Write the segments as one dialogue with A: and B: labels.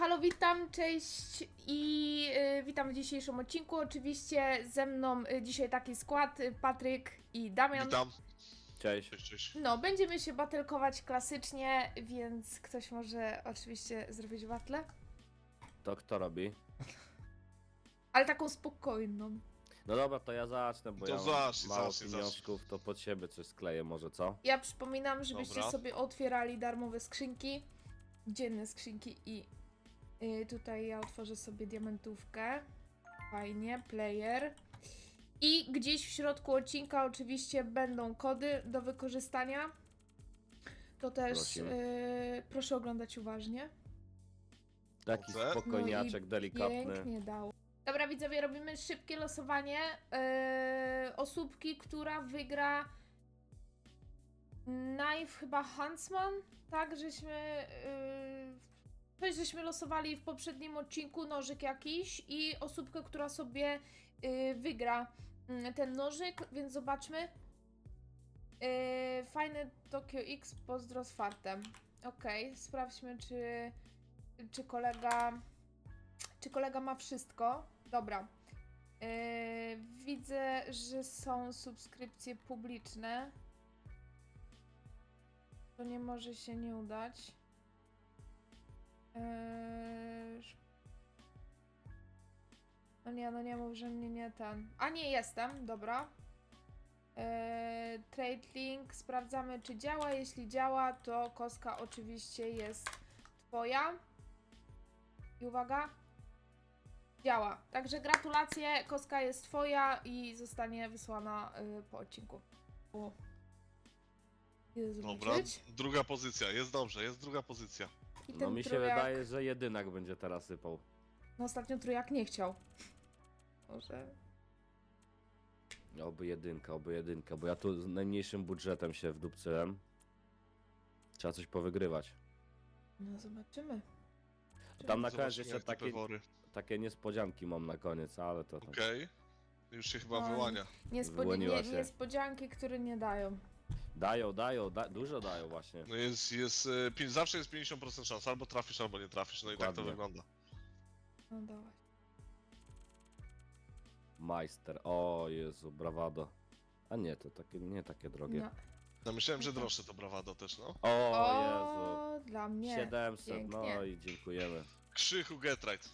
A: halo, witam, cześć i witam w dzisiejszym odcinku. Oczywiście ze mną dzisiaj taki skład, Patryk i Damian.
B: Witam.
C: Cześć.
B: Cześć.
A: No, będziemy się battle'kować klasycznie, więc ktoś może oczywiście zrobić battle,
C: To kto robi?
A: ale taką spokojną.
C: No dobra, to ja zacznę, bo
B: To
C: ja mam
B: zacznij,
C: mało
B: zacznij.
C: pieniążków, to pod siebie coś skleję może, co?
A: Ja przypominam, żebyście
B: Dobra.
A: sobie otwierali darmowe skrzynki, dzienne skrzynki i tutaj ja otworzę sobie diamentówkę. Fajnie, player. I gdzieś w środku odcinka oczywiście będą kody do wykorzystania. To też proszę oglądać uważnie.
C: Taki
B: Dobrze.
C: spokojniaczek,
A: No i
C: delikatny.
A: pięknie dało. Dobra widzowie, robimy szybkie losowanie osóbki, która wygra Knife chyba Huntsman, tak, żeśmy losowali w poprzednim odcinku nożyk jakiś i osóbkę, która sobie wygra ten nożyk, więc zobaczmy. Fajny Tokyo X, pozdro z fartem. Okej, sprawdźmy czy kolega ma wszystko. Dobra. Widzę, że są subskrypcje publiczne. To nie może się nie udać. No nie mów, że mnie nie ten. A nie jestem, dobra. Trade link, sprawdzamy czy działa. Jeśli działa, to kostka oczywiście jest twoja. I uwaga. Działa. Także gratulacje, kostka jest twoja i zostanie wysłana po odcinku. Idę
B: Dobra,
A: zobaczyć.
B: druga pozycja. Jest dobrze, jest druga pozycja.
A: I
C: No
A: ten
C: mi się
A: trójak-
C: wydaje, że jedynak będzie teraz sypał.
A: No ostatnio trójak nie chciał. Może...
C: Oby jedynka, bo ja tu z najmniejszym budżetem się wdupcyłem. Trzeba coś powygrywać.
A: No zobaczymy.
C: Tam na koniec
B: Zobaczymy,
C: jeszcze
B: jak te pewory.
C: takie niespodzianki mam na koniec, ale to tam.
B: Okej. Już się chyba
A: Oj.
B: wyłania.
C: Wyłoniła się.
A: Niespodzianki, które nie dają.
C: Dużo dają właśnie.
B: No zawsze jest 50% szans. Albo trafisz, albo nie trafisz. No i tak to
C: Dokładnie.
B: wygląda.
A: No dawaj.
C: Majster, o Jezu, brawado. A nie, to nie takie drogie.
A: No.
B: No myślałem, że droższe to brawado też, no.
C: O Jezu.
A: Dla mnie.
C: 700,
A: pięknie.
C: no i dziękujemy.
B: Krzychu Getrite.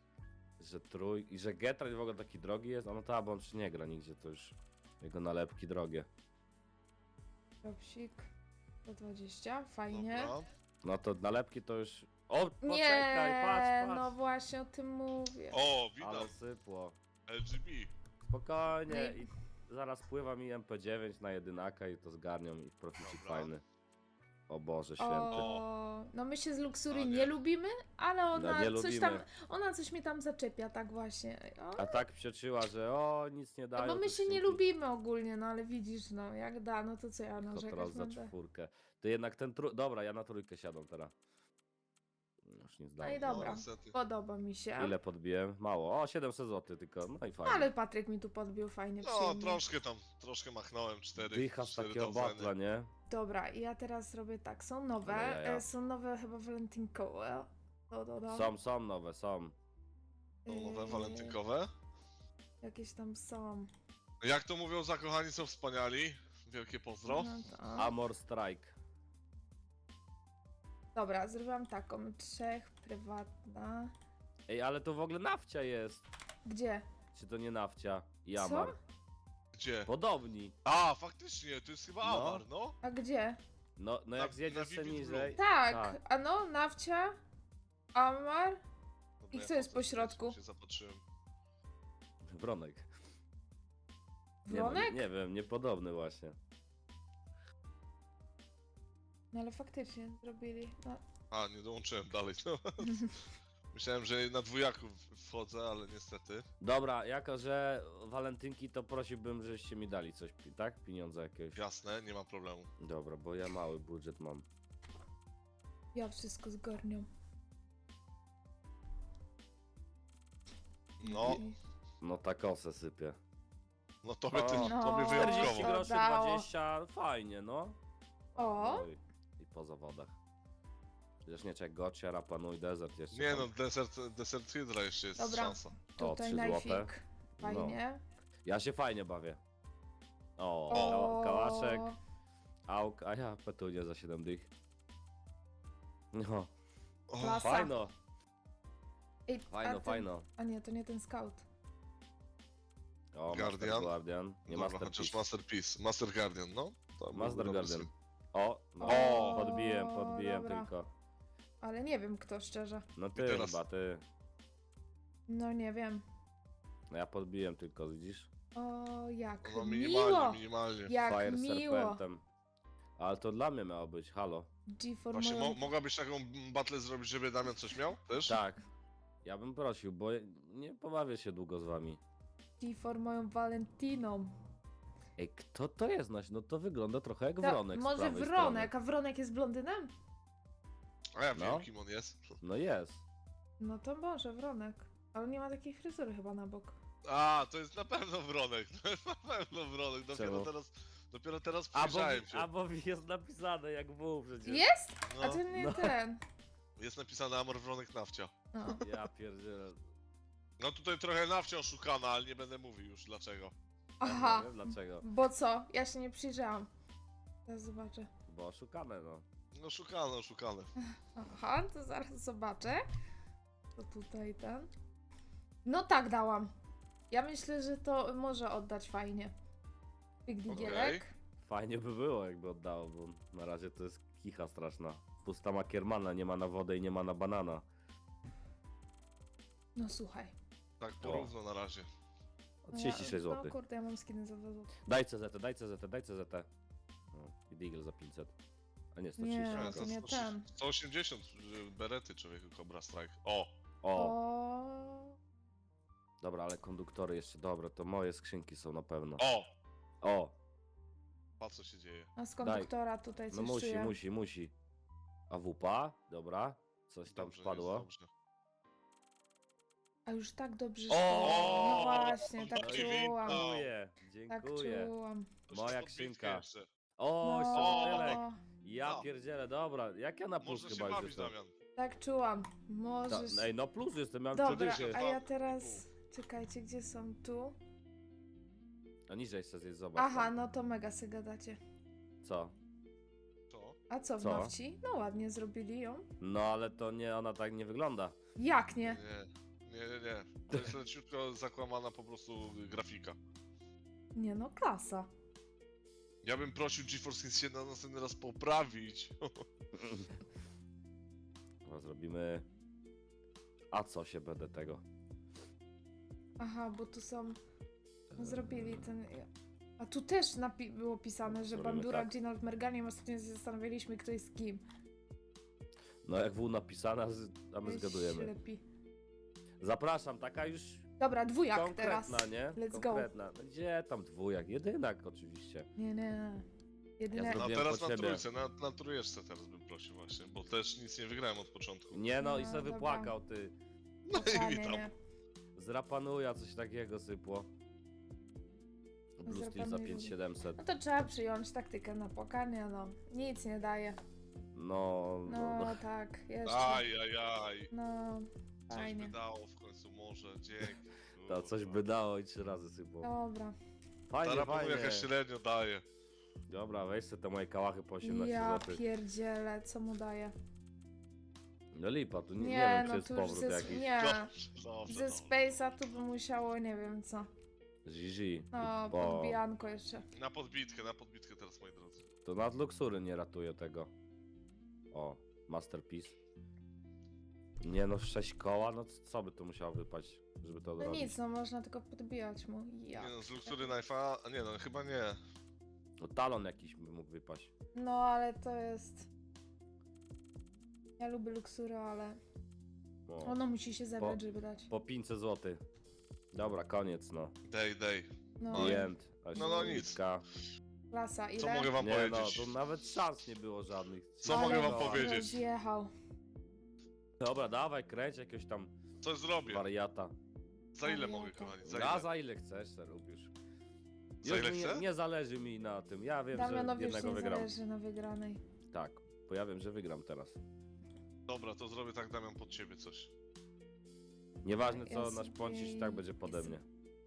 C: Że Getride w ogóle taki drogi jest, a no ta, bo on już nie gra nigdzie, to już jego nalepki drogie.
A: Dropsik. 120, fajnie.
B: Dobra.
C: No to nalepki to już... O, poczekaj,
A: Nie,
C: patrz.
A: no właśnie o tym mówię.
B: O, widać.
C: Ale sypło.
B: LGB.
C: Spokojnie
A: No
C: i zaraz pływa mi MP9 na jedynaka i to zgarnią i proficik
B: Dobra.
C: fajny. O Boże święty.
A: O, no my się z Luxury
B: A
A: nie
B: nie.
A: lubimy, ale ona
C: nie
A: coś tam,
C: lubimy.
A: ona coś mnie tam zaczepia, tak właśnie. O,
C: A tak psioczyła, że nic nie dają.
A: no bo my
C: te
A: się nie
C: skrzynki.
A: lubimy ogólnie, no ale widzisz, no jak da, no to co ja
C: To
A: narzekać
C: teraz za
A: będę.
C: czwórkę. To jednak ten Dobra, ja na trójkę siadam teraz. Już nic
A: No i
C: dalej.
A: dobra.
B: niestety.
A: Podoba mi się.
C: Ile podbiłem? Mało. O, 700 zł tylko. No i fajnie.
A: Ale Patryk mi tu podbił fajnie,
B: No,
A: przyjemnie.
B: troszkę machnąłem.
C: Dycha z takiego batla, nie?
A: Dobra, i ja teraz robię tak, są nowe,
C: Ale ja.
A: są nowe chyba walentynkowe.
C: Są nowe, są.
B: Są nowe walentynkowe.
A: Jakieś tam są.
B: Jak to mówią, zakochani są wspaniali. Wielkie pozdro.
A: No to...
C: Amor Strike.
A: Dobra, zrobiłam taką, 3 prywatna.
C: Ej, ale to w ogóle nafcia jest.
A: Gdzie?
C: Czy to nie nafcia? I
A: Co?
C: Amar.
B: Gdzie?
C: Podobni.
B: A, faktycznie, to jest chyba
C: No.
B: Amar, no.
A: A gdzie?
C: No
B: Na-
C: jak
B: na
C: zjedziesz se
B: Vivid
C: niżej.
A: Tak,
C: Tak.
A: a no, Nawcia, Amar.
B: Dobra,
A: I kto jest
B: potem
A: po środku?
B: się zapatrzyłem.
C: Wronek.
A: Wronek?
C: Nie wiem, niepodobny właśnie.
A: No ale faktycznie zrobili. No.
B: A, nie dołączyłem dalej. No. Myślałem, że na dwójaku wchodzę, ale niestety.
C: Dobra, jako że walentynki, to prosiłbym, żebyście mi dali coś, tak? Pieniądze jakieś.
B: Jasne, nie ma problemu.
C: Dobra, bo ja mały budżet mam.
A: Ja wszystko zgarniam.
B: No,
C: No ta kosę sypie.
B: no tobie,
A: No.
B: tobie
C: 40
B: wyjątkowo.
C: groszy,
A: Dało.
C: 20, fajnie, no.
A: O,
C: No i po zawodach. Chociaż nie, czekaj, Gotcha, Rapanui, Desert jeszcze.
B: Nie
C: tam.
B: no, Desert Hydra jeszcze jest
A: Dobra.
B: szansa.
A: Tutaj
C: 3 złote.
A: najfik. Fajnie.
C: Ja się fajnie bawię. O,
A: O,
C: kałaszek, auk, a ja petunię za 7 dych. No,
B: O,
A: Klasa.
C: fajno,
A: Ej,
C: fajno, fajno.
A: A nie, to nie ten scout.
C: O,
B: Guardian.
C: Master Guardian, nie
B: dobra,
C: Master
B: chociaż
C: Piece.
B: Masterpiece. Master Guardian, no. To
C: Master
B: byłby
C: Guardian.
B: dobry
C: O, no,
A: O,
C: podbiłem
A: dobra.
C: tylko.
A: Ale nie wiem kto, szczerze.
C: No ty
B: teraz?
C: chyba, ty.
A: No nie wiem.
C: No ja podbiłem tylko, widzisz?
A: O, jak
B: stream. No
A: miło!
B: minimalnie, minimalnie.
A: Jak
C: Fire
A: miło!
C: Serpentem. Ale to dla mnie miało być, halo.
A: G4
B: Właśnie,
A: moją...
B: mogłabyś taką battle zrobić, żeby Damian coś miał też?
C: Tak. Ja bym prosił, bo nie pobawię się długo z wami.
A: G4 moją Valentiną.
C: Ej, kto to jest? No to wygląda trochę jak
A: To
C: Wronek z
A: może
C: prawej
A: Wronek,
C: strony.
A: a Wronek jest blondynem?
B: A ja
C: No.
B: wiem, kim on jest.
C: No jest.
A: No to może Wronek. Ale nie ma takiej fryzury chyba na bok.
B: A, to jest na pewno Wronek. To jest na pewno Wronek.
C: Czemu?
B: Dopiero teraz
C: Albo,
B: przyjrzałem się.
C: albo jest napisane jak W przecież.
A: Jest?
B: No,
A: A ten nie
C: no.
A: ten.
B: jest napisane Amor Wronek Nawcia.
A: No.
C: Ja pierdzielę.
B: No tutaj trochę Nawcia oszukana, ale nie będę mówił już dlaczego.
A: Aha.
C: Nie wiem dlaczego.
A: Bo co? Ja się nie przyjrzałam. Teraz zobaczę.
C: Bo oszukane no.
B: No oszukane.
A: Aha, to zaraz zobaczę. To tutaj ten. No tak dałam. Ja myślę, że to może oddać fajnie. Big Digielek.
C: Fajnie by było jakby oddało, bo na razie to jest kicha straszna. Pusta ma Kiermana, nie ma na wodę i nie ma na banana.
A: No słuchaj.
B: Tak porówno na razie.
C: O 36
A: No
C: zł.
A: kurde, ja mam skiny za 2 zł.
C: Daj CZ, daj CZ, daj CZ. O, i Deagle za 500. A nie, 130.
A: Nie.
B: Ale
A: to nie
B: 130
A: ten.
B: 180 berety człowieku, Cobra Strike. O!
C: O,
A: O.
C: dobra, ale konduktory jeszcze dobre, to moje skrzynki są na pewno.
B: O!
C: O,
B: Patrz co się dzieje.
A: A z konduktora tutaj coś
C: no musi,
A: czuję.
C: musi. A wupa, dobra. Coś tam
B: Dobrze,
C: wpadło.
B: jest dobrze.
A: A już tak dobrze
C: O!
A: szło. No właśnie, tak
B: No i
A: czułam.
C: Dziękuję,
A: Tak
C: dziękuję.
A: czułam.
B: Jeszcze
C: Moja
B: podbitkę
C: skrzynka.
B: jeszcze.
C: O,
A: No,
C: no. Ja
B: No.
C: pierdzielę, dobra. Jak ja na plus
B: Może się
C: chyba już
B: bawić,
C: jestem.
B: Damian.
A: tak czułam. Możesz...
C: Ej, no plus jestem, miałem
A: Dobra,
C: 3 dychy.
A: a ja teraz... Czekajcie, gdzie są tu?
C: A niżej chcę zjeść, zobacz.
A: Aha,
C: tam.
A: no to mega se gadacie.
C: Co?
B: Co?
A: A co w
C: Co?
A: Nowci? No ładnie zrobili ją.
C: No ale to nie, ona tak nie wygląda.
A: Jak nie?
B: Nie. To jest leciutko zakłamana po prostu grafika.
A: Nie no, klasa.
B: Ja bym prosił GeForce Kings się na następny raz poprawić.
C: No, zrobimy... A co się będę tego?
A: Aha, bo tu są... No, zrobili ten... A tu też było pisane, że
C: Zrobimy
A: Bandura,
C: tak.
A: Ginald, Merganium. Ostatnio się zastanawialiśmy, kto jest kim.
C: No jak było napisane, a my
A: Jest
C: zgadujemy.
A: Ślepi.
C: Zapraszam, taka już
A: Dobra, dwójak
C: konkretna,
A: teraz.
C: nie?
A: Let's go.
C: Konkretna. No gdzie tam dwójak? Jedynak oczywiście.
A: Nie. Jedyne...
C: Ja
B: A
C: Zrobiłem
B: teraz
C: po
B: na
C: ciebie.
B: trójce, na trójeczce teraz bym prosił właśnie, bo też nic nie wygrałem od początku.
C: Nie no, i
A: No,
C: se
A: dobra.
C: wypłakał ty.
B: No i
A: Totalnie
B: witam.
A: nie.
C: Z Rapanuja coś takiego sypło. Blue Steel za
A: Rapanuja.
C: 5700.
A: No to trzeba przyjąć taktykę na płakanie, no. Nic nie daje.
C: No,
A: No tak, jeszcze.
B: Ajajaj.
A: No,
B: Coś
A: fajnie.
B: by dało w końcu, może, dzięki.
C: to coś by dało i 3 razy sypło.
A: Dobra.
C: Fajnie,
B: Teraz
C: fajnie.
B: jakaś średnio daje.
C: Dobra, weź sobie te moje kałachy po 18
A: Ja
C: zł.
A: pierdzielę, co mu daje?
C: No lipa, tu nie
A: Nie,
C: wiem, czy
A: no
C: jest
A: tu już
C: powrót
A: ze,
C: jakiś.
A: nie.
B: Dobrze,
A: Ze Space'a tu by musiało, nie wiem co.
C: Zizi.
A: No,
C: Bo
A: podbijanko jeszcze.
B: Na podbitkę teraz, moi drodzy.
C: to nad luksury nie ratuje tego. O, Masterpiece. Nie no, 6 koła, no co by tu musiało wypaść, żeby to
A: No
C: odrobić?
A: nic, no można tylko podbijać mu. Ja.
B: Nie no, z Luxury Knife'a, a nie no, chyba nie.
C: No talon jakiś by mógł wypaść.
A: No, ale to jest... Ja lubię luksury, ale
C: O,
A: ono musi się zebrać, żeby dać.
C: po 500 zł. Dobra, koniec no.
B: Day.
A: No,
B: No i-
C: The end.
B: no nic.
C: Śliwka.
A: klasa, ile?
B: Co mogę wam
C: Nie no,
B: powiedzieć?
C: to nawet szans nie było żadnych.
B: Co
A: Ale
B: mogę wam
C: koła.
B: powiedzieć?
A: Rozjechał.
C: Dobra, dawaj, kręć jakiegoś tam
B: Coś zrobię.
C: wariata.
B: Za ile mogę,
A: Wariata.
B: kochani? Za
C: Ja
B: ile?
C: za ile chcesz, se lubisz.
B: Za ile
C: Już
B: chcę?
C: nie zależy mi na tym. Ja wiem, że
A: Damianowi już
C: jednego
A: nie
C: wygram.
A: zależy na wygranej.
C: Tak, bo ja wiem, że wygram teraz.
B: Dobra, to zrobię tak, Damian, pod ciebie coś.
C: Nieważne
A: Ja
C: co, nasz
A: sobie
C: pącisz i tak będzie pode mnie.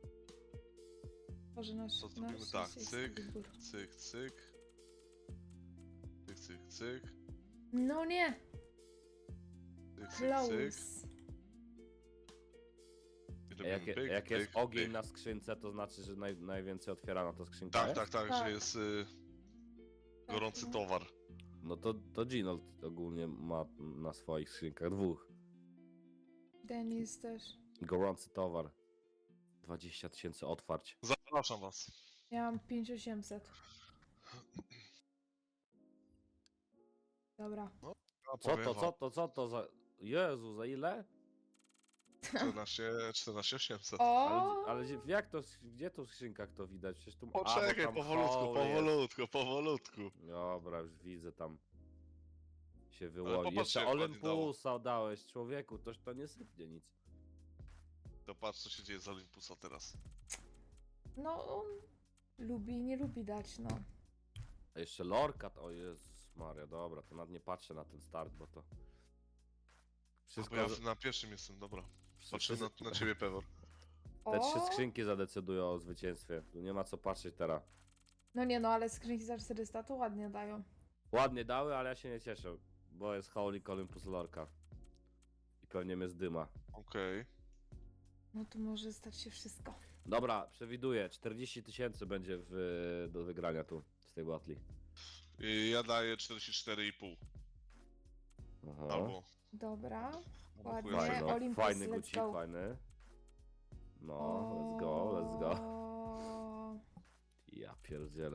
A: Może nasz,
B: To zrobimy
A: nasz
B: tak,
A: jest
B: cyk.
A: wybór.
B: Cyk, cyk. Cyk, cyk, cyk.
A: No nie!
B: Cyk, cyk, cyk.
A: Close.
B: I
C: A
B: robimy
C: jak,
B: pyk,
C: jak jest
B: pyk,
C: ogień
B: pyk.
C: na skrzynce, to znaczy, że najwięcej otwierana to skrzynka
B: Tak,
C: jest?
B: tak, tak,
A: Tak.
B: że jest
A: Tak,
B: gorący
A: no.
B: towar.
C: No to Ginold ogólnie ma na swoich skrzynkach 2.
A: Denis też.
C: Gorący towar. 20 000 otwarć.
B: Zapraszam was.
A: Ja mam 5800. Dobra.
B: A
C: Co
B: powiem
C: to,
B: wam,
C: co to za... Jezu, za ile?
B: 14 800.
A: O!
C: Ale jak to, gdzie to w skrzynkach to widać? Przecież tu... bo
B: Poczekaj,
C: tam
B: powolutku,
C: hole jest.
B: powolutku, powolutku.
C: Dobra, już widzę tam się
B: popatrzcie,
C: wyłoni. Jeszcze
B: jak ładnie dało.
C: Olympusa dałeś, człowieku, toż to nie sypnie nic.
B: To patrz, co się dzieje z Olympusa teraz.
A: No, on lubi i nie lubi dać, no.
C: A jeszcze lorka, to o Jezus Maria, dobra, to nawet nie patrzę na ten start, bo to...
B: Bo
C: Wszystko...
B: ja na pierwszym jestem, dobra. Patrzę na ciebie, Pewor.
C: Te 3
A: O!
C: skrzynki zadecydują o zwycięstwie. Tu nie ma co patrzeć teraz.
A: No nie no, ale skrzynki za 400 to ładnie dają.
C: Ładnie dały, ale ja się nie cieszę, bo jest Holy Olympus Lorka. I pewnie mnie zdyma.
B: Okej.
A: No to może stać się wszystko.
C: Dobra, przewiduję, 40 000 będzie do wygrania tu, z tej batli.
B: I ja daję 44,5.
C: Aha.
B: Albo...
A: Dobra. Ładnie.
B: chuj,
C: Fajny, no.
A: Olympus,
C: Fajny
A: let's
C: gucik,
A: go.
C: fajny. No, let's go, let's go.
A: O,
C: Ja pierdzielę.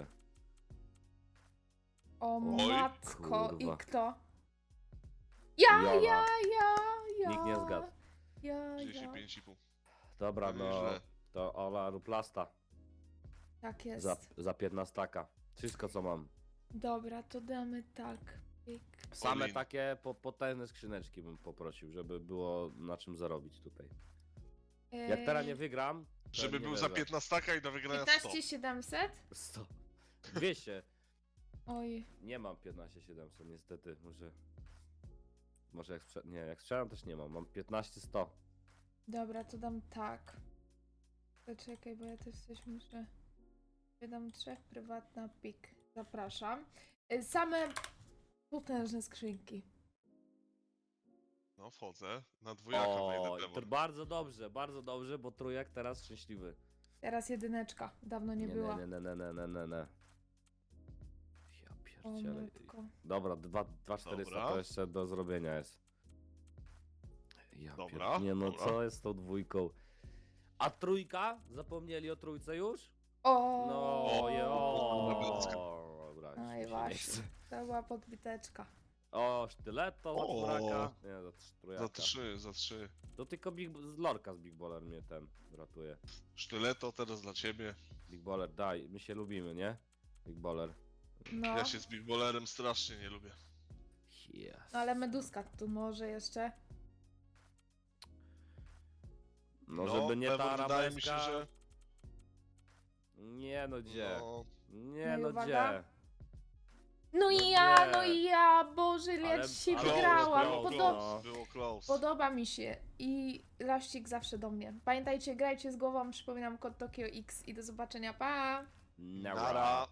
A: o
B: Oj,
A: matko,
C: kurwa.
A: i kto? Ja,
C: Jola.
A: ja.
C: Nikt nie zgadł.
A: Ja.
B: 35,5.
C: Dobra,
B: To
C: no,
B: nieźle.
C: to Ola lub Lasta
A: Tak jest.
C: za 15. Wszystko co mam.
A: Dobra, to damy tak. Pyk.
C: Same
B: Olin.
C: takie potężne skrzyneczki bym poprosił, żeby było na czym zarobić tutaj. Jak teraz nie wygram, to
B: Żeby
C: nie
B: był za
C: wierzę.
B: 15 i do wygrania 100.
A: 15700?
C: 100. 200.
A: Oj,
C: Nie mam 15 700 niestety, może jak strzelam też nie mam 15 100.
A: dobra, to dam tak. Poczekaj, bo ja też coś muszę. Wydam 3, prywatna pik. Zapraszam. Same potężne skrzynki.
B: No wchodzę. Na dwójaka wejdę,
C: O, to
B: Pewor.
C: bardzo dobrze, bo trójek teraz szczęśliwy.
A: Teraz jedyneczka. Dawno nie była.
C: Nie. Ja
A: O
C: pierdzielę.
A: matko.
C: Dobra, 2400
B: Dobra.
C: to jeszcze do zrobienia jest. Ja
B: Dobra,
C: Nie no,
B: dobra.
C: co jest z tą dwójką? A trójka? Zapomnieli o trójce już?
A: O!
C: No,
B: Elegancko.
C: dobra,
A: No
C: już
A: i
C: mi się nie
A: właśnie.
C: chce.
A: To była podbiteczka.
C: O, sztyleto za
B: O.
C: czworaka. Nie, za trójaka.
B: Za 3.
C: To tylko Lorka z Big Baller mnie ratuje.
B: Sztyleto teraz dla ciebie.
C: Big Baller, daj, my się lubimy, nie? Big Baller.
A: No.
B: Ja się z Big Ballerem strasznie nie lubię.
C: Yes.
A: No ale meduska tu może jeszcze.
C: No, żeby nie ta
B: Pewor, wydaje mi się,
C: arabeska.
B: że...
C: Nie no, gdzie?
B: No,
C: Nie
A: No i
C: no,
A: uwaga.
C: gdzie?
A: No
C: No
A: i ja,
C: nie.
A: no i ja, Boże, ile ja
C: Ale-
A: dzisiaj
C: ale
A: wygrałam.
C: było
B: close, było close.
A: Podoba mi się i laścik zawsze do mnie. Pamiętajcie, grajcie z głową, przypominam kod Tokio X i do zobaczenia, pa!
C: Nara.
B: Nara.